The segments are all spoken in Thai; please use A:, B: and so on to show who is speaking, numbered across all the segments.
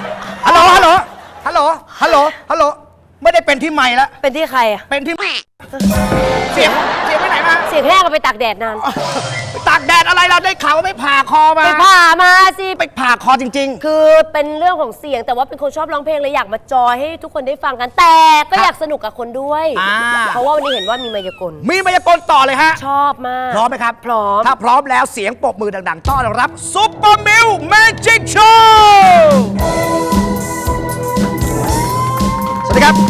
A: ฮัลโหล ฮัลโหล ฮัลโหล ฮัลโหล ฮัลโหล ไม่ได้เป็นที่ใหม่แล้ว
B: เป็นที่ใครอะ
A: เป็นที่เสียงไปไหนมา
B: เสียงแห้งก็ไปตากแดดนาน
A: ไปตากแดดอะไรเราได้ข่าวว่าไม่ผ่าคอมา
B: ไปผ่ามาสิ
A: ไปผ่าคอจริง
B: คือเป็นเรื่องของเสียงแต่ว่าเป็นคนชอบร้องเพลงเลยอยากมาจอยให้ทุกคนได้ฟังกัน แต่ก็อยากสนุกกับคนด้วย
A: อ่า
B: เพราะว่าวันนี้เห็นว่ามีมายากล
A: ๆ มีมายากลต่อเลยฮะ
B: ชอบมาก
A: พร้อมไหมครับ
B: พร้อม
A: ถ้าพร้อมแล้วเสียงปรบมือดังๆ ต้อนรับซุปเปอร์มิลแมจิกโชว์สวัสดีครับ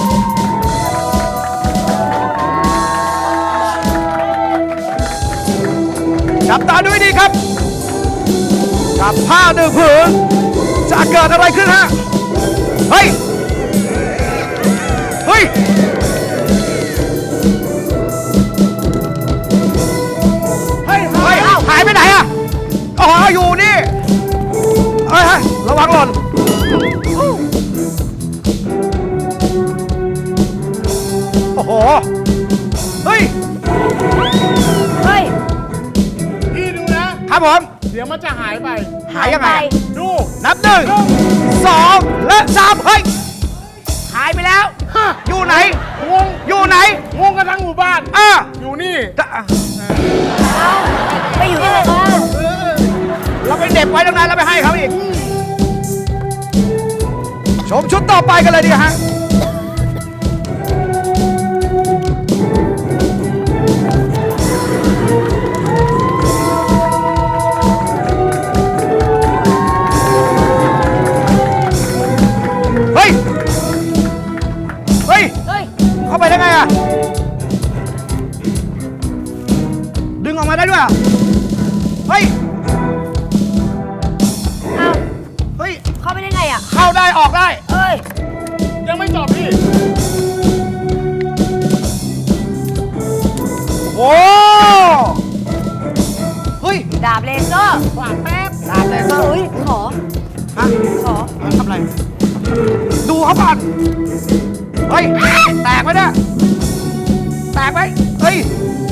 A: จับตาดูให้ดีครับ กับผ้าหนึ่งผืนจะเกิดอะไรขึ้นฮะ เฮ้ย เฮ้ย เฮ้ยหายไปไหนอะอ๋ออยู่นี่เฮ้ยระวังหล่นโอ้โห เฮ้ย
B: เฮ้ย
C: พี่ดูนะ
A: ครับผม
C: เดี๋ยวมันจะหายไป
A: หายยังไง
C: ดู
A: นับหนึ่งสองและสามเฮ้ย หายไปแล้ว
C: ฮะ
A: อยู่ไหน
C: งง
A: อยู่ไหน
C: งงกันทั้งหมู่บ้าน
A: อ่ะ
C: อยู่นี่
B: ไปอยู่ที่ไหนบ้าง
A: เราไปเด็บไว้ตรงนั้นแล้วไปให้เขาอีก ชมชุดต่อไปกันเลยดีกว่าฮะออกได้
B: เอ้ย
C: ยังไม่จบพี่
A: โอ้เฮ้ย
B: ดาบเลเซอร์
A: ฝากแป๊บดาบเลเซอร์
B: เฮ้ย ขอ
A: ฮะ
B: ขอ
A: ทำอะไร ดูเขาก่อน เฮ้ย แตกไหมเนี่ยแตกไหมเฮ้ย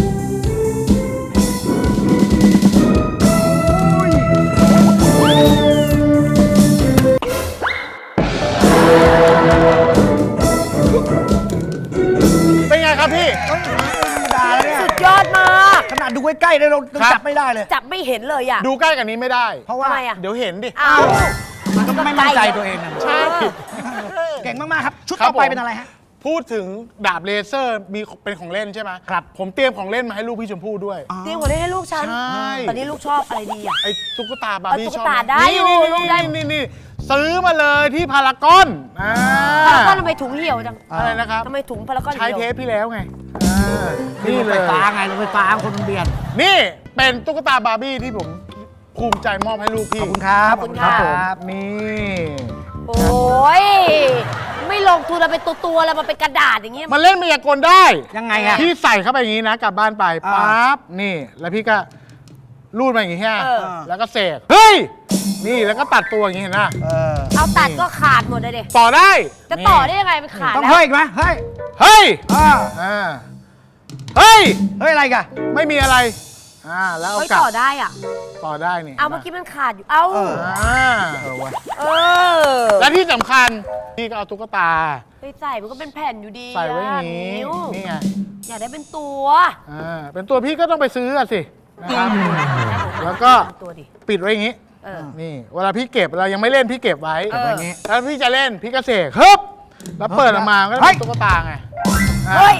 C: เป็นไงครับพี่
A: ธรรมดาแล้วเนี่ย
B: สุดยอดมาก
A: ขนาดดูใกล้ๆเลยเรา
C: ครับ
A: จับไม่ได้เลย
B: จับไม่เห็นเลยอ่ะ
C: ดูใกล้กันนี้ไม่ได้
A: เพราะว่า
B: ทำไมอ่ะ
C: เดี๋ยวเห็นดิ
B: อ้าว
A: มันก็ไม่มั่นใจตัวเองนะ
C: ใช่
A: เก่งมากๆครับ ชุด
C: ครับ
A: ต่อไป
C: ผม
A: เป็นอะไรฮะ
C: พูดถึงดาบเลเซอร์มีเป็นของเล่นใช่ไหม
A: ครับ
C: ผมเตรียมของเล่นมาให้ลูกพี่ชมพู่ด้วย
B: เตรียมหัวเล่นให้ลูกฉัน
C: ใช่
B: ตอนนี้ลูกชอบอะไรดีอ่ะ
C: ไอ้ตุ๊กตาบาร์บี้
B: ตุ๊ก
C: ชอบ
B: ตา
C: หม
B: ได้อยู่
C: นี่
B: ลูกได้
C: นี่ซื้อมาเลยที่พารากอนอ่า
B: พารากอนทำไมถุงเหี่ยวจัง
C: อะไรนะครับ
B: ทำไมถุงพารากอน
C: ใช้
B: เหี่ยว
C: เทปที่แล้วไง
A: นี่
C: นี่
A: รถ
C: เล
A: ไฟ
C: ย
A: ฟ้าไงรถไฟฟ้าคนมันเบียด
C: นี่เป็นตุ๊กตาบาร์บี้ที่ผมภูมิใจมอบให้ลูกพี่
A: ขอบคุณครับ
B: ขอบคุณครับ
C: นี่
B: โอ้ย ไม่ลงทุนเราเป็นตัวๆแล้วมันเป็นกระดาษอย่างเงี้ย
C: มันเล่นมายากลได้
A: ยังไงอะ
C: พี่ใส่เข้าไปอย่างนี้นะกลับบ้านไป
A: อ่า
C: ปั๊บนี่ แล้วพี่ก็รูดมาอย่างนี้ใช่ไหม
B: เออ
C: แล้วก็เสกเฮ้ยนี่แล้วก็ตัดตัวอย่างนี้เห็นไหม
A: เออ
B: เอาตัดก็ขาดหมดเลยดิ
C: ต่อได้
B: จะต่อได้ยังไงมันขาด
A: ต้อง
B: แล้ว
A: เฮ้ยอีกไหมเฮ้ย
C: เฮ้ย
A: อ่า
C: อ่าเฮ้ย
A: เฮ้ยอะไรกัน
C: ไม่มีอะไรแล้วเอา
B: เฮ้ย
C: กลับ
B: ต่อได้อ่ะ
C: ต่อได้นี่
B: เอาเมื่อกี้มันขาดอยู่ เอ้า
A: เออ
C: อ่า
B: เออ
C: และที่สำคัญพี่ก็เอาตุ๊กตา
B: ไปใส่มันก็เป็นแผ่นอยู่ดี
C: ใส่ไว้อย่างนี้
B: นิ้ว
C: นี่ไง
B: อยากได้เป็นตัว
C: เป็นตัวพี่ก็ต้องไปซื้ออะสินะครับ แล้วก็
B: ตัวดิ
C: ปิดไว้อย่างนี้
B: เออ
C: นี่เวลาพี่เก็บเรายังไม่เล่นพี่เก็บไว้
B: เออ
C: อย่างนี้ถ้าพี่จะเล่นพี่ก็เสกฮึบแล้วเปิดออกมาก็
A: เฮ้
C: เป็
A: ย
C: นตุ๊กตาไงอ่ะ
B: เฮ้ย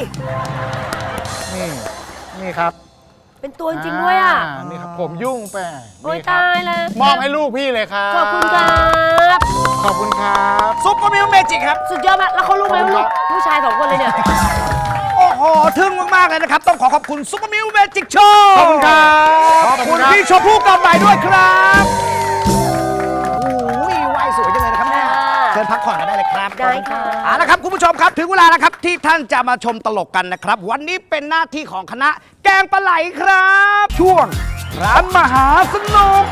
C: นี่ครับ
B: เป็นตัวจริงๆด้วยอ่ะ
C: นี่ครับผมยุ่งไป
B: โอ้ย
C: นี่ครับ
B: ตายแล้ว
C: มอบให้ลูกพี่เลยครับ
B: ขอบคุณครับ
C: ขอบคุณครับ
A: ซุปเปอร์มิลเมจิกครับ
B: สุดยอดมาก แล้วเขารู้ไหมว่าลูกผู้ชายสองคนเลยเนี่ย
A: โอ้โห ทึ่งมาก ๆ เลยนะครับ ต้องขอขอบคุณซุปเปอร์มิลเมจิกโชว์
C: ขอบคุณครับ
A: ขอบคุณ
C: รับ
A: พี่ชมพู่กำใหม่ด้วยครับโอ้ยว่ายสวยจังเลยนะครับเนี่ย
B: ค่ะ
A: เชิญพักผ่อนกันได้เลยครับ
B: ได้ค่ะ
A: เอาละครับคุณผู้ชมครับ ถึงเวลาแล้วครับที่ท่านจะมาชมตลกกันนะครับ วันนี้เป็นหน้าที่ของคณะแกงปลาไหลครับ ช่วงร้านมหาสนุก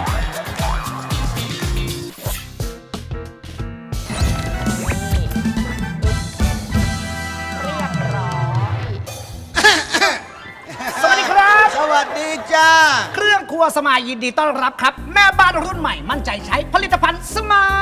A: สวัสดีครับ
D: สวัสดีจ้า
A: เครื่องครัวสมายยินดีต้อนรับครับ แม่บ้านรุ่นใหม่มั่นใจใช้ผลิตภัณฑ์สมาย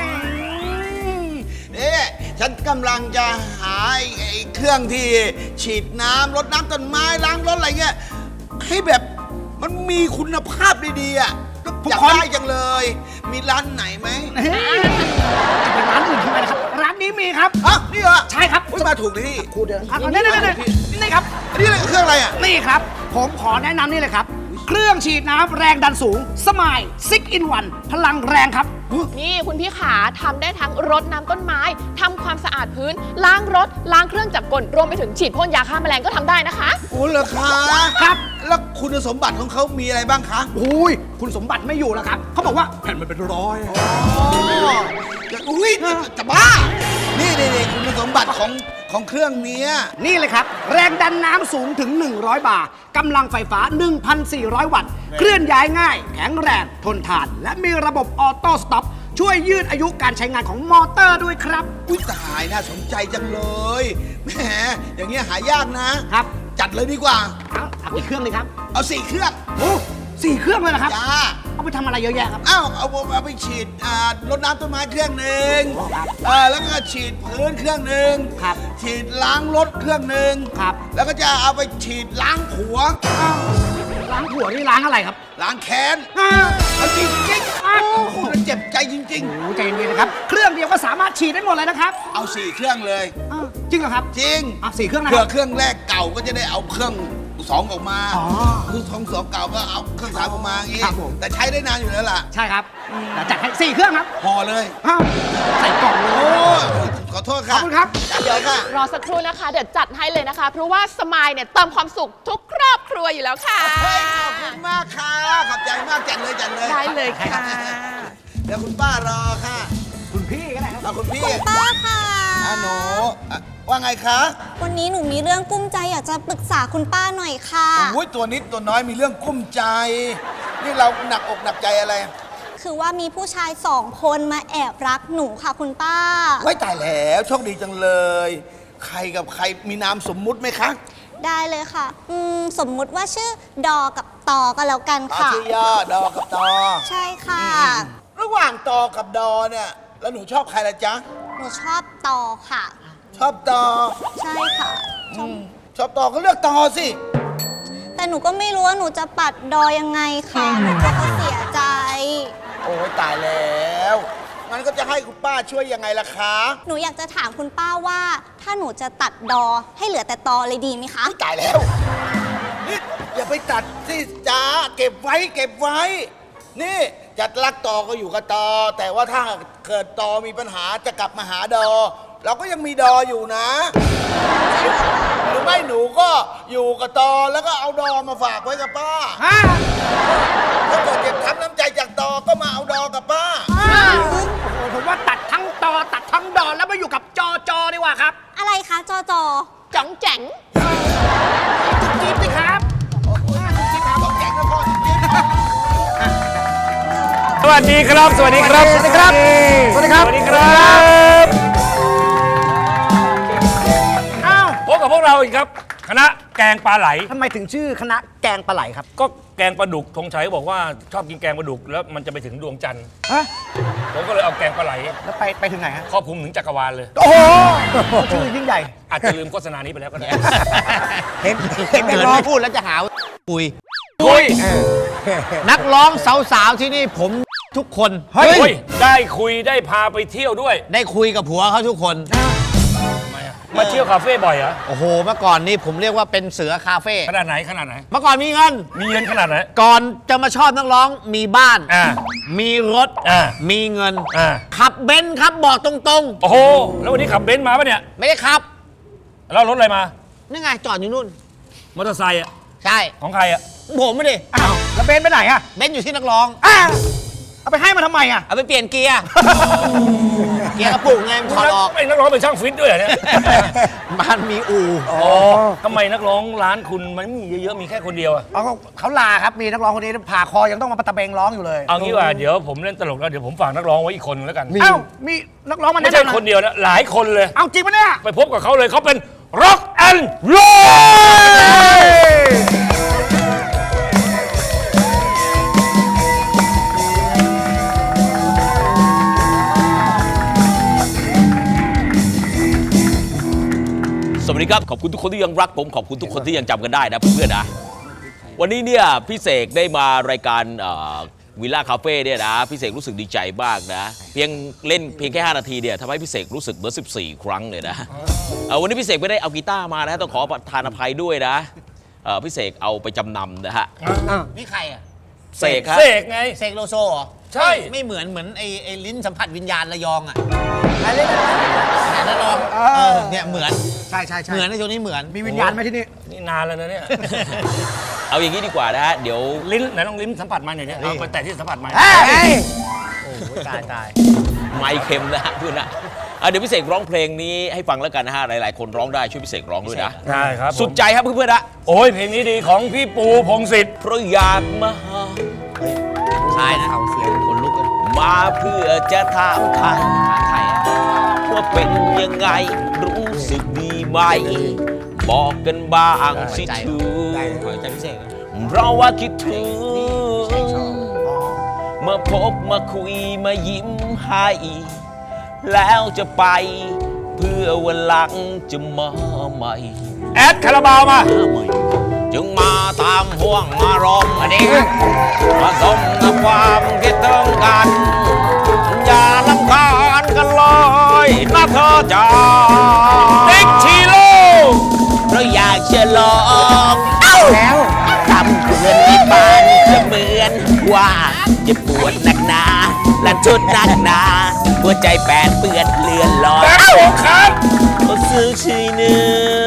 D: นี่ฉันกำลังจะหาไอ้เครื่องที่ฉีดน้ำรดน้ำต้นไม้ล้างรถอะไรเงี้ยให้แบบมันมีคุณภาพดีๆอ่ะอยากได้จังเลย มีร้านไหนไหม
A: จะเป็นร้านอื่นทำไมนะครับ ร้านนี้มีครับ
D: ฮะนี่เหรอ
A: ใช่ครับ
D: อุ๊ยมาถูกเลยที่
A: ครูเดินนี่ครับ
D: อันนี้เครื่องอะไรอ่ะ
A: นี่ครับ ผมขอแนะนำนี่เลยครับ เครื่องฉีดน้ำแรงดันสูง สมาย6 in 1 พลังแรงครับ
E: นี่คุณพี่ขาทำได้ทั้งรดน้ำต้นไม้ทำความสะอาดพื้น ล้างรถ ล้างเครื่องจักรกลรวมไปถึงฉีดพ่นยาฆ่าแมลงก็ทำได้นะคะ
D: โอ้เหรอคะ
A: ครับ
D: แล้วคุณสมบัติของเขามีอะไรบ้างคะ
A: อุ้ย คุณสมบัติไม่อยู่แล้วครับ เขาบอกว่าแผ่นมันเป็นร้อย
D: อุ้ยจะบ้า นี่คุณสมบัติของเครื่องเนี้ย
A: นี่เลยครับ แรงดันน้ำสูงถึง 100 บาร์กำลังไฟฟ้า 1,400 วัตต์ เคลื่อนย้ายง่าย แข็งแรง ทนทาน และมีระบบออโต้สต็อปช่วยยืดอายุการใช้งานของมอเตอร์ด้วยครับ
D: อุ้ยตายน่าสนใจจังเลยแหมอย่างเงี้ยหายากนะ
A: ครับ
D: จัดเลยดีกว่า
A: เอากี่เครื่องเลยครับ
D: เอา4เครื่อง
A: โอ้4 เครื่องเลยนะครับ
D: จ้า
A: เอาไปทำอะไรเยอะแยะครับ
D: เอาไปฉีดรดน้ำต้นไม้เครื่องหนึ่ง
A: ครับ
D: แล้วก็ฉีดพื้นเครื่องหนึ่ง
A: ครับ
D: ฉีดล้างรถเครื่องหนึ่ง
A: ครับ
D: แล้วก็จะเอาไปฉีดล้างผัว
A: ล้างหัวนี่ล้างอะไรครับ
D: ล้างแค้น
A: อ้าว
D: เอาจริงจริงๆโอ้โหมันเจ็บใจจริง
A: โอ้ใจเย็นๆนะครับ เครื่องเดียวก็สามารถฉีดได้หมดเลยนะครับ
D: ๆ เอา4เครื่องเลย
A: อ้าวจริงเหรอครับ
D: จริง
A: 4 เครื่องนะค
D: เผื่
A: รั
D: อบ เครื่องแรกเก่าก็จะได้เอาเครื่อง2ออกมา
A: อ๋อ
D: คือของสองเก่าก็เอาเครื่อง3ออกมาอย่างงี้
A: ครับผม
D: แต่ใช้ได้นานอยู่แล้วล่ะ
A: ใช่ครับเดี๋ยวจัดให้4 เครื่องครับ
D: ห่อเลย
A: อ้าวใส่กล่องเล
D: โอ้
A: ย
D: ขอโทษ
A: ขอ
D: ค่ะ
A: บคุณครับ
D: จัดเดี๋ยวค่ะ
E: รอสักครู่นะคะ เดี๋ยวจัดให้เลยนะคะ เพราะว่าสมายเนี่ยเติมความสุขทุกครอบครัวอยู่แล้วค่ะ
D: เฮ้ยขอบคุณมากค่ะ ขอบใจมากจัดเลย
E: ได้เลยค่ะ
D: เดี๋ยวคุณป้ารอค่ะ
A: คุณพี่ก็ได้ครับ
D: คุณพี่
F: ป้าค่ะ
D: หนูว่าไงคะ
F: วันนี้หนูมีเรื่องกุ้มใจอยากจะปรึกษาคุณป้าหน่อยค่ะ
D: โอ้ยตัวนิดตัวน้อยมีเรื่องกุ้มใจ นี่เราหนักอกหนักใจอะไร
F: คือว่ามีผู้ชาย2 คนมาแอบรักหนูค่ะคุณป้า
D: ไว้ตายแล้วโชคดีจังเลย ใครกับใครมีนามสมมุติไหมคะ
F: ได้เลยค่ะ สมมุติว่าชื่อดอกับตอก็แล้วกันค่ะ
D: ชื่อย่อดอกับตอ
F: ใช่ค่ะ
D: ระหว่างตอกับดอเนี่ย แล้วหนูชอบใครละจ๊ะ
F: หนูชอบตอค่ะ
D: ชอบตอ
F: ใช่ค่ะชอบ
D: ชอบตอก็เลือกตอสิ
F: แต่หนูก็ไม่รู้ว่าหนูจะปัดดอยังไงค่ะหนูก็เสียใจ
D: โอ้ยตายแล้วงั้นก็จะให้คุณป้าช่วยยังไงล่ะคะ
F: หนูอยากจะถามคุณป้าว่า ถ้าหนูจะตัดดอให้เหลือแต่ตอเลยดีไหมคะ
D: ตายแล้วนี่อย่าไปตัดสิจ้าเก็บไว้เก็บไว้ นี่จะรักตอก็อยู่กับตอ แต่ว่าถ้าเกิดตอมีปัญหาจะกลับมาหาดอ เราก็ยังมีดออยู่นะ หรือไม่หนูก็อยู่กับตอแล้วก็เอาดอมาฝากไว้กับป้า
A: ฮะ
D: ถ้าเกิดเก็บทับน้ำใจจากตอก็มาเอาดอกับป้า
A: โอ้โหผมว่าตัดทั้งตอตัดทั้งดอนแล้วมาอยู่กับจดีกว่าครับ
F: อะไรคะจอ
E: จ๋องแจ๋ง
A: จิ๊บสิครับ
G: สวัสดีครับ สวัสดีครับ
A: สวัสดีครับ สวัสดีครับ
G: สวัสดีครับ
A: อ้าว
G: พบกับพวกเราอีกครับ คณะแกงปลาไหล
A: ทำไมถึงชื่อคณะแกงปลาไหลครับ
G: ก็แกงปลาดุกธงชัยบอกว่าชอบกินแกงปลาดุกแล้วมันจะไปถึงดวงจันทร์
A: ฮะ
G: ผมก็เลยเอาแกงปลาไหล
A: แล้วไปถึงไหนฮะ
G: ครอบคลุมถึงจักรวาลเลย
A: โอ้โห ชื่อยิ่งใหญ่
G: อาจจะลืมโฆษณานี้ไปแล้วก็ได้
H: เห็นนักร้องพูดแล้วจะหาว่าปุย
G: คุย
H: นักร้องสาวๆที่นี่ผมทุกคน
G: เฮ้ยได้คุยได้พาไปเที่ยวด้วย
H: ได้คุยกับผัวเขาทุกคน
G: มาเที่ยวคาเฟ่บ่อยเหรอ
H: โอ้โห เมื่อก่อนนี้ผมเรียกว่าเป็นเสือคาเฟ่
G: ขนาดไหนขนาดไหน
H: เมื่อก่อนมีเงิน
G: มีเงินขนาดไหน
H: ก่อนจะมาชอบนักร้องมีบ้าน
G: อ่า
H: มีรถ
G: อ่า
H: มีเงิน
G: อ่า
H: ขับเบนซ์ครับบอกตรง
G: โอ้โหแล้ววันนี้ขับเบนซ์มาปะเนี่ย
H: ๆ ไม่ได้ขับ
G: แล้วรถอะไรมา
H: นี่ไงจอดอยู่นู่น
G: มอเตอร์ไซค์อะ
H: ใช่
G: ของใครอะ
H: ผมไม่ดิ
A: อ้าว แล้วเบนไปไหนอะ
H: เบนซ์อยู่ที่นักร้อง
A: อ้าวเอาไปให้มาทำไมอะ
H: เอาไปเปลี่ยนเกียร์ เกียร์กระปุกไงมันถอดออก
G: ไม่นักร้องเป็นช่างฟิตด้วยเหรอเนี่ย
H: บ้านมีอู่
G: อ๋อทำไมนักร้องร้านคุณมันไม่มีเยอะๆ มีแค่คนเดียวอะ
A: เอาเขาลาครับ มีนักร้องคนนี้ผ่าคอยังต้องมาปะตะเบงร้องอยู่เลย
G: เอางี้ว่าเดี๋ยวผมเล่นตลกแล้วเดี๋ยวผมฝากนักร้องไว้อีกคนนึงแล้วกัน
A: อ้าว มีนักร้องมา
G: ไม่
A: แนะ
G: ใช่
A: นำ
G: คนเดียวนะ หลายคนเลย
A: เอาจริงปะเนี่ย
G: ไปพบกับเขาเลยเขาเป็น Rock and Roll
I: สวัสดีครับ ขอบคุณทุกคนที่ยังรักผม ขอบคุณทุกคนที่ยังจำกันได้นะเพื่อนๆนะ วันนี้เนี่ยพี่เสกได้มารายการวิลล่าคาเฟ่เนี่ยนะพี่เสกรู้สึกดีใจมากนะเพียงแค่ 5 นาทีเนี่ยทำให้พี่เสกรู้สึกเหมือน14 ครั้งเลยนะวันนี้พี่เสกไม่ได้เอากีตาร์มานะต้องขอประทานอภัยด้วยนะพี่เสกเอาไปจำนำนะฮะ
H: นี่ใครอ่ะ
I: เสกครับ
G: เสกไง
H: เสกโลโซเหรอ
G: ใช่
H: ไม่เหมือนไอ้ลิ้นสัมผัสวิญญาณระยองอ่ะ
A: อะไรเนี่ย
H: แต่ระยองเนี่ยเหมือน
A: ใช่ใช่ใช่
H: เหมือนในตัวนี้เหมือน
A: มีวิญญาณไหมที่นี่
G: นี่นานแล้วนะเนี่ย
I: เอาอย่างนี้ดีกว่านะฮะเดี๋ยว
G: ลิ้นไหนลองลิ้นสัมผัสมาหน่อยเนี่ยเอาไปแตะที่สัมผัสมา
A: เฮ้ย
H: โอ้โหตาย
I: ไมค์เค็มนะฮะเพื่อนนะเดี๋ยวพี่เสกร้องเพลงนี้ให้ฟังแล้วกันนะฮะหลายๆคนร้องได้ช่วยพี่เสกร้องด้วยนะ
G: ใช่ครับ
I: สุดใจครับเพื่อนๆนะ
G: โอ้ยเพลงนี้ดีของพี่ปูพงศิษฐ์
I: เพราะอยากมาหา
H: คลายนะเสียงคนลุกกัน
I: มาเพื่อจะถามไทย
H: ไทย
I: ว่าเป็นยังไงรู้สึกดีไหม บอกกันบ้างสิทู
H: ขอใจพิเศษ
I: เพราะว่าคิดถึงมาพบมาคุยมายิ้มให้แล้วจะไปเพื่อวันหลังจะมาใหม่
G: แอดคาราบาวมา
I: จึงมาตามห่วงอารมณ์อันนี้ผสมกับความคิดถึงกันอย่าลำคาญกันเลยนะเธอจ๋า
G: ติ๊กชิโร่
I: เพราะอยากจะลอง
A: แล้ว
I: ทำเพื่อนในบ้านจะเหมือนว่าจะปวดหนักหนาและชุดหนักหนาหัวใจแปดเปื้อนเลือนลอย
G: แบ็คโฮครับ
I: เขาซื้อชีเนื้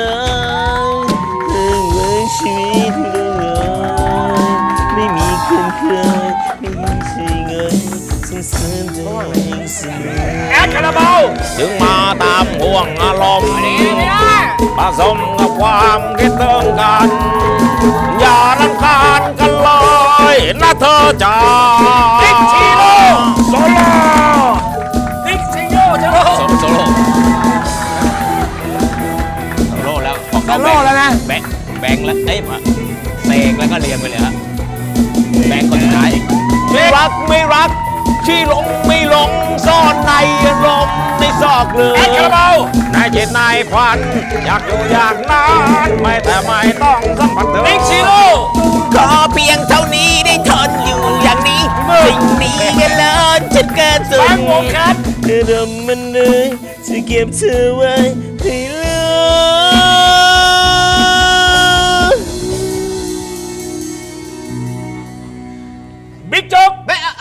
I: อชีวิตเลยไม่มีคืนเคยไม่มีชีเงินส่งเสริม
G: แอดคาราบาว
I: ถึงมาตามห่วงอารมณ์ผสมกับความคิดถึงกัน อย่ารำคาญกันเลยนะเธอจ๋า
G: ติ๊กชิโร่โซโล่ติ๊กชิโร่จะโล
I: โซโล่แล้วของ
H: โซโล่แล้วนะ
I: แบงค์แล้วเอ้ยมาเสกแล้วก็เรียงไปเลยฮะแบงค์คนสุดท้ายรักไม่รักที่หลงไม่หลงซ่อนในอารมณ์ในซอกหลือ
G: แอดคาราบาวน
I: ายจิตนายควันอยากอยู่อย่างนั้นไม่แต่ไม่ต้องสัมผัสเธอ
G: ติ๊กชิโร่
H: ขอเพียงเท่านี้ได้ทนอยู่อย่างนี้สิ่งนี้ก็เลิศฉันเกินสุด
G: บางวงครับ
H: เดิมมันเลยจะเก็บเธอไว้ให้เหลือ
G: บิ๊กโจ๊ก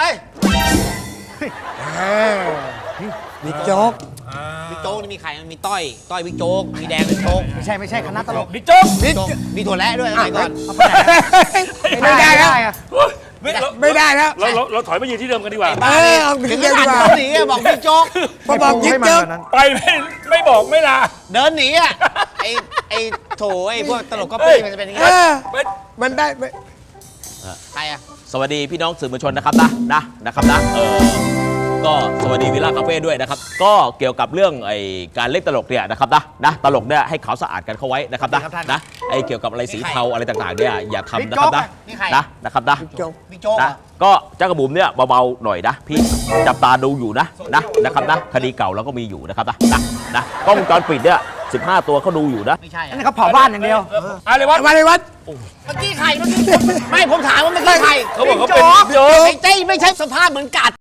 H: บิ๊กโจ๊กบิ๊กโจ๊กนี่มีใครมีต้อยบิ๊กโจ๊กมีแดงบิ๊กโจ๊ก
A: ไม่ใช่คณะตลก
G: บิ๊กโจ๊ก
H: มีถั่วและด้วยสมัยก่อน
A: ไม่ได้แล้ว
H: ไม่ได้แล้ว
G: เราถอยมายืนที่เดิมกันดีกว่า
H: ถึงขนาดเดินหนีอะบอกบิ๊กโจ๊กพอบอกบิ๊กโจ๊ก
G: ไปไม่บอกไม่ลา
H: เดินหนีอ่ะไอ้โถไอ้พวกตลกก็ปี้มันจะเป็นอย่างงี้มันได้ใครอ่ะ
I: สวัสดีพี่น้องสื่อมวลชนนะครับนะครับก็สวัสดีวิลล่าคาเฟ่ด้วยนะครับก็เกี่ยวกับเรื่องไอ้การเล่นตลกเนี่ยนะครับนะตลกเนี่ยให้ขาวสะอาดกันเข้าไว้นะครับนะไอ้เกี่ยวกับอะไรสีเทาอะไรต่างๆเนี่ยอย่าทำนะครับนะครับนะ
H: บิ๊กโจ๊ก
I: นะก็เจ้ากระบุ๋มเนี่ยเบาๆหน่อยนะพี่จับตาดูอยู่นะครับนะคดีเก่าเราก็มีอยู่นะครับนะกล้องวงจรปิดเนี่ย15 ตัวเขาดูอยู่นะ
H: ไม่ใช่
A: อันนี้เขาเผาบ้านอย่างเดียว
G: อะไรวะ
H: มาเลยวัดเมื่อกี้ใครไม่ผมถามว่าเมื่อกี้ใคร
G: เขาบอกเขาเป็น
H: โจ๊กไอ้เต้ไม่ใช่สภาพเหมือนกัด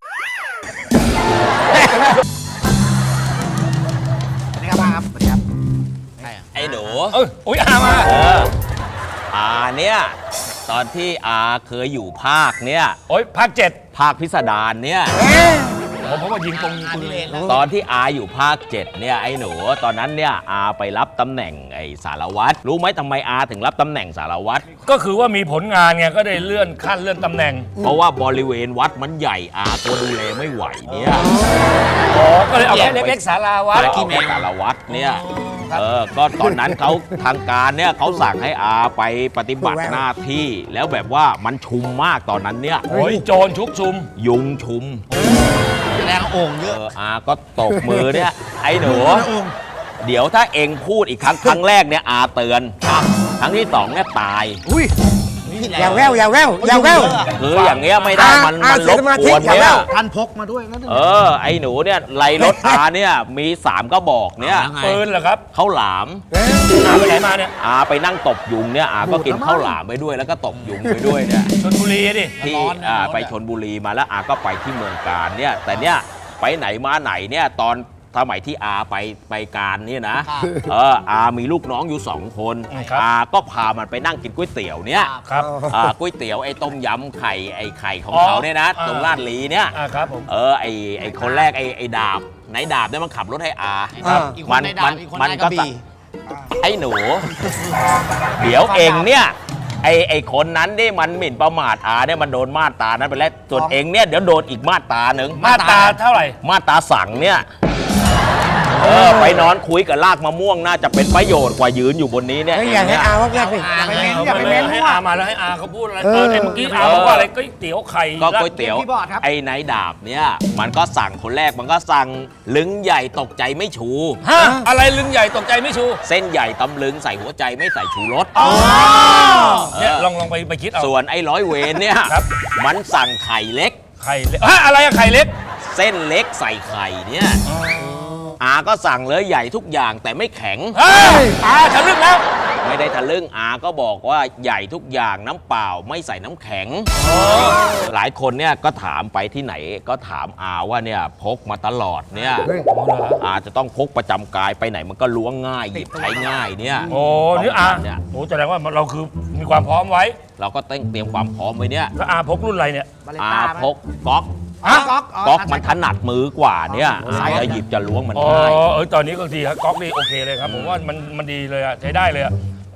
I: ไอ้หนู
G: อุ้ยอามา
I: อาเนี่ยตอนที่อาเคยอยู่ภาคเนี่ย
G: โอ้ยภาค7
I: ภาคพิสดารเนี่ย
G: ผมว่ายิงตรงปืน
I: ตอนที่อาอยู่ภาค7เนี่ยไอ้หนูตอนนั้นเนี่ยอาไปรับตำแหน่งไอ้สารวัตรรู้ไหมทำไมอาถึงรับตำแหน่งสารวัตร
G: ก็คือว่ามีผลงานไงก็ได้เลื่อนขั้นเลื่อนตำแหน่ง
I: เพราะว่าบริเวณวัดมันใหญ่อาตัวดูแลไม่ไหวเนี่ย
G: อ๋อก็เลยเอาแค่เล็กๆสาราวัด
I: ที่แม่สารวัตรเนี่ยก็ตอนนั้นเขาทางการเนี่ยเขาสั่งให้อาไปปฏิบัติหน้าที่แล้วแบบว่ามันชุมมากตอนนั้นเนี่ย
G: โอ้ยโจรชุกชุม
I: ยุงชุม
H: แรงโอ่งเยอะ
I: อาก็ตบมือเนี่ยไอ้หนูเดี๋ยวถ้าเองพูดอีกครั้งแรกเนี่ยอาเตือนครั้งที่สองเนี่ยตาย
H: อย่าแวว
I: คืออย่างเงี้ยไม่ได้มันรบกวนเนี่ย
A: ท่านพกมาด้วยนะ
I: ไอ้หนูเนี่ยไล่รถอาเนี่ยมี3 กระบอกเนี่ย
G: ปืนเหรอครับ
I: ข้าวหลาม
G: อาไปไหนมาเนี่ย
I: อาไปนั่งตบยุงเนี่ยอาก็กินข้าวหลามไปด้วยแล้วก็ตบยุงไปด้วยเนี่ย
G: ชลบุรีดิ
I: ที่ไปชนบุรีมาแล้วอาก็ไปที่เมืองการเนี่ยแต่เนี่ยไปไหนมาไหนเนี่ยตอนสมัยที่อาไปการเนี่ยนะอามีลูกน้องอยู่2 คนอาก็พามันไปนั่งกินก๋วยเตี๋ยวเนี่ย
G: ครับ
I: ก๋วยเตี๋ยวไอ้ต้มยำไข่ไอ้ไข่ของเขาเนี่ยนะตรงลาดลีเนี่ย
G: ครับผม
I: ไอ้คนแรกไอ้ดาบไหนดาบเนี่ยมันขับรถให้อา
H: อีกคนในดาบอีกคนในกระบี่
I: ไอ้หนู เดี๋ยวเองเนี่ยไอ้คนนั้นนี่มันหมิ่นประมาทอาเนี่ยมันโดนมาตรานั้นไปแล้วส่วนเองเนี่ยเดี๋ยวโดนอีกมาตราหนึ่ง
G: มาตราเท่าไหร่
I: มาตราสั่งเนี่ยไปนอนคุยกับลากมะม่วงน่าจะเป็นประโยชน์กว่ายืนอยู่บนนี้เนี่ย
H: อย่าให้อาว่าแรกสิ
A: อย่าไปเม้น
G: ให้
A: มั่ว
G: อามาแล้วให้อาเขาพูดอะไรเมื่อกี้อาบอกว่าอะไรก๋วยเตี๋ยวไข่
I: ก็ก๋วยเตี๋ยว
A: พี่บอดครับ
I: ไอ้ไหนดาบเนี่ยมันก็สั่งคนแรกมันก็สั่งลึงใหญ่ตกใจไม่ชู
G: ฮะอะไรลึงใหญ่ตกใจไม่ชู
I: เส้นใหญ่ตำลึงใส่หัวใจไม่ใส่ชูรส
G: เนี่ยลองไปคิดเอา
I: ส่วนไอ้ร้อยเวรเนี่ย
G: ครับ
I: มันสั่งไข่เล็ก
G: ไข่เล็กอะไรอะไข่เล็ก
I: เส้นเล็กใส่ไข่เนี่ยอาก็สั่งเลยใหญ่ทุกอย่างแต่ไม่แข็ง
G: อาทะลึ่งแล้ว
I: ไม่ได้ทะลึ่งอาก็บอกว่าใหญ่ทุกอย่างน้ำเปล่าไม่ใส่น้ำแข็ง หลายคนเนี่ยก็ถามไปที่ไหนก็ถามอาว่าเนี่ยพกมาตลอดเนี่ยอาจะต้องพกประจำกายไปไหนมันก็ล้วงง่ายหยิบใช้ง่ายเนี่ย
G: โอ้นี่อาโอ้แสดงว่าเราคือมีความพร้อมไว้
I: เราก็ต้องเตรียมความพร้อมไว้เนี่ย
G: แล้วอาพกรุ่นอะไรเนี่ย
I: อาพกก๊อก ก๊อกมันถนัดมือกว่าเนี่ยจะหยิบจะล้วงมัน
G: อ๋อ
I: ง่าย
G: ตอนนี้ก็ดีครับก๊อกนี่โอเคเลยครับผมว่ามันดีเลยอะใช้ได้เลยอะ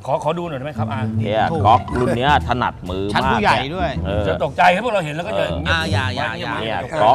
G: ขอดูหน่อยได้ไหมครับอา
I: เนี่ยก๊อกรุ่นเนี้ยถนัดมือ
H: ชั้น
I: มาก
H: ผู้ใหญ่ด้วย
I: เออ
G: จะตกใจให้พวกเราเห็นแล้วก็จะ
H: อย่า
I: เนี่ยก๊อก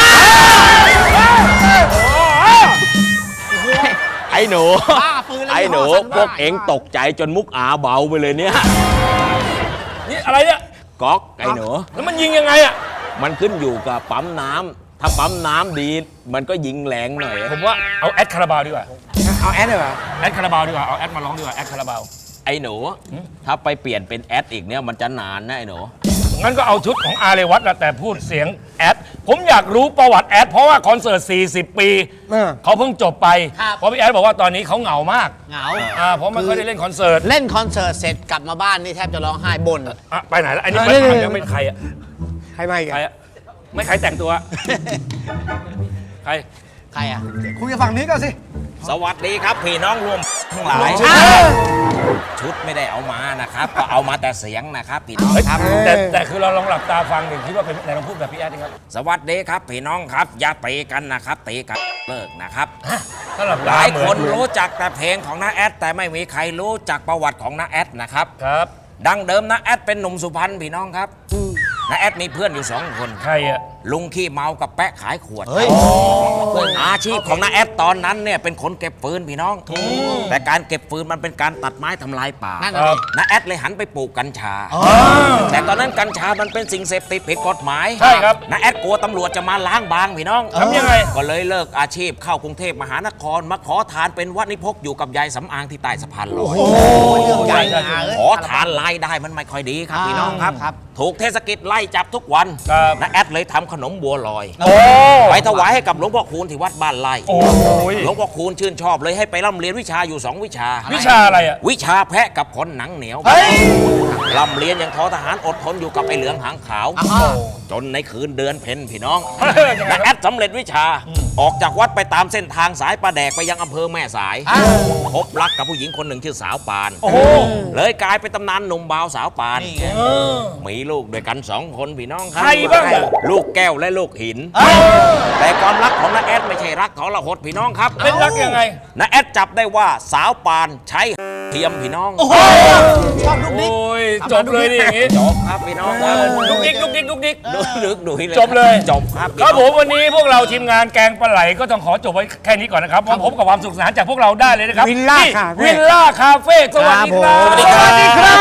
I: ไอ้หนู ไอ้หนูพวกเอ็งตกใจจนมุกอาเบาไปเลยเนี่ย
G: นี่อะไรเนี่ย
I: ก๊อกไอ้หนู
G: แล้วมันยิงยังไงอ่ะ
I: มันขึ้นอยู่กับปั๊มน้ำถ้าปั๊มน้ำดี มันก็ยิงแรงหน่อย
G: ผมว่าเอาแอดคาราบาวดีกว่า
H: เอาแอดเลยเหรอ
G: แอดคาราบาวดีกว่าเอาแอดมาร้องดีกว่าแอดคาราบาว
I: ไอ้หนู ถ้าไปเปลี่ยนเป็นแอดอีกเนี่ยมันจะนานนะไอ้หนู
G: งั้นก็เอาชุดของอาเรวัตแหละแต่พูดเสียงแอดผมอยากรู้ประวัติแอดเพราะว่าคอนเสิร์ต 40 ปี เขาเพิ่งจบไป เพราะพี่แอดบอกว่าตอนนี้เขาเหงามาก
H: เหงา
G: เพราะไม่ค่อยได้เล่นคอนเสิร์ต
H: เล่นคอนเสิร์ตเสร็จกลับมาบ้านนี่แทบจะร้องไห้บ่น
G: ไปไหนแล้วอันนี้ไปทางยังไม่ใครอ่ะ
H: ใครไม่
G: ใครอ่ะไม่ใครแต่งตัว ใคร
H: ใครอ่ะ
A: คุยกับฝั่งนี้ก่อนสิ
I: สวัสดีครับพี่น้องรวมทั้งหลาย ชุดไม่ได้เอามานะครับ ก็เอามาแต่เสียงนะครับพี่น้องครับ
G: แต่คือเราลองหลับตาฟังหนึ่งคิดว่าเป็นไหนลองพูดแบบพี่แอดดิครับ
I: สวัสดีครับพี่น้องครับ อย่าตีกันนะครับตีกันเลิกนะครับ
G: ถ้าหลับ
I: ห
G: ตา
I: ลาย
G: เหมื
I: ค
G: อน
I: นรู้จักแต่เพลงของน้าแอดแต่ไม่มีใครรู้จักประวัติของน้าแอดนะครับ
G: ครับ
I: ดังเดิมน้าแอดเป็นหนุ่มสุพรรณพี่น้องครับน้าแอดมีเพื่อนอยู่2 คน
G: ใครอ่ะ
I: ลุงขี้เมากับแปะขายขวดอาชีพของน้าแอดตอนนั้นเนี่ยเป็นคนเก็บฟืนพี่น้อง แต่การเก็บฟืนมันเป็นการตัดไม้ทำลายป่า
H: นั่น
G: ค
H: น่ะ
G: รับ
H: ดิ
I: น้าแอดเลยหันไปปลูกกัญชา แต่ตอนนั้นกัญชามันเป็นสิ่งเสพติดผิดกฎหมาย
G: ใช่ครับ
I: น้าแอดกลัวตำรวจจะมาล้างบางพี่น้อง
G: ทำยังไง
I: ก็เลยเลิกอาชีพเข้ากรุงเทพมหานครมาขอทานเป็นวัดนิพกอยู่กับยายสำอางที่ใต้สะพานลอย
H: เรื่องใหญ่นะ
I: ขอทานรายได้มันไม่ค่อยดีครับพี่น้องครับ
H: ครับ
I: ถูกเทศกิจไล่จับทุกวัน
G: ครับ
I: น้าแอดเลยทำขนมบัวลอย
G: โอ้
I: ไปถวายให้กับหลวงพ่อคูณที่วัดบ้านไร่
G: โอ้ย
I: หลวงพ่อคูณชื่นชอบเลยให้ไปร่ำเรียนวิชาอยู่ 2 วิชา
G: วิชาอะไรอ่ะ
I: วิชาแพะกับคนหนังเหนียวร่ำเรียนอย่างทอทหารอดทนอยู่กับไอ้เหลืองหางขาว จนในคืนเดือนเพ็ญพี่น้องน้าแอดสำเร็จวิชา ออกจากวัดไปตามเส้นทางสายประแดกไปยังอำเภอแม่สายพบรักกับผู้หญิงคนหนึ่งชื่อสาวปาน
G: โอ้โห
I: เลยกลายเป็นตำนานหนุ่มบ่าวสาวปาน
G: เออ
I: มีลูกด้วยกัน 2 คนพี่น้องครั
G: ใครบ้างอะ
I: ลูกแก้วและลูกหิน แต่ความรักของน้าแอดไม่ใช่รักของละหดพี่น้องครับ
G: เป็นรักยังไง
I: น้าแอดจับได้ว่าสาวปานใช้เทียมพี่น้อง
H: ชอบลูกนิก
G: โอ้ยจบเลยดิอย่างงี้
I: จบครับพี่น้องครับ
G: ลุกดิ๊กลุกดิ๊กลุกดิ๊ก
I: ดูลึกดูให้เลย
G: จบเลย
I: จบครับ
G: ครับผมวันนี้พวกเราทีมงานแกงปลาไหลก็ต้องขอจบไว้แค่นี้ก่อนนะครับมาพบกับความสุขสนานจากพวกเราได้เลยนะครับ
H: วิลล่า
G: ที่
H: คาเฟ่
G: วิลล่าคาเฟ่สวัสดีครับ
I: สวัสดีครับ
G: สวัสดีครับ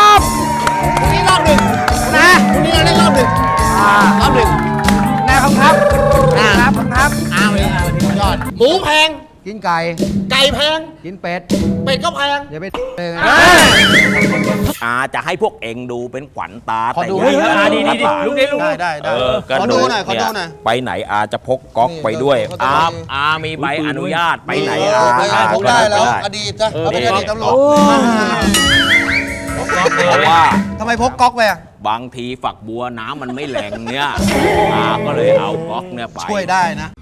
H: นี่รอบหนึ่งนะวันนี้เราเล่นรอบหนึ่งรอบหนึ่ง
A: นะครับครับ
H: อ้าวเลยยอด หมูแพง
A: กินไก่
H: ไก่แพง
A: กินเป็ด
H: เป็ดก็แพง
A: อย่าไปเลยนะ
I: อาจะให้พวกเองดูเป็นขวัญตา
A: ขอดู
I: แต่อย่า
G: ดีดีลุกดิลุก
H: ได้
I: เออก็
H: ขอดูหน่อยขอดูหน่อย
I: ไปไหนอาจะพกก๊อกไปด้วย
H: นี่
I: อามีใบอนุญาตไปไหนอา
H: ผมได้แล้ว
I: ก็
H: อดีตนะเขาเป็นอดีตตำรวจ
I: เพราะว่า
H: ทำไมพกก๊อกไปอ่ะ
I: บางทีฝักบัวน้ำมันไม่แหล่งเนี่ยอาก็เลยเอาก๊อกเนี่ยไป
H: ช่วยได้นะ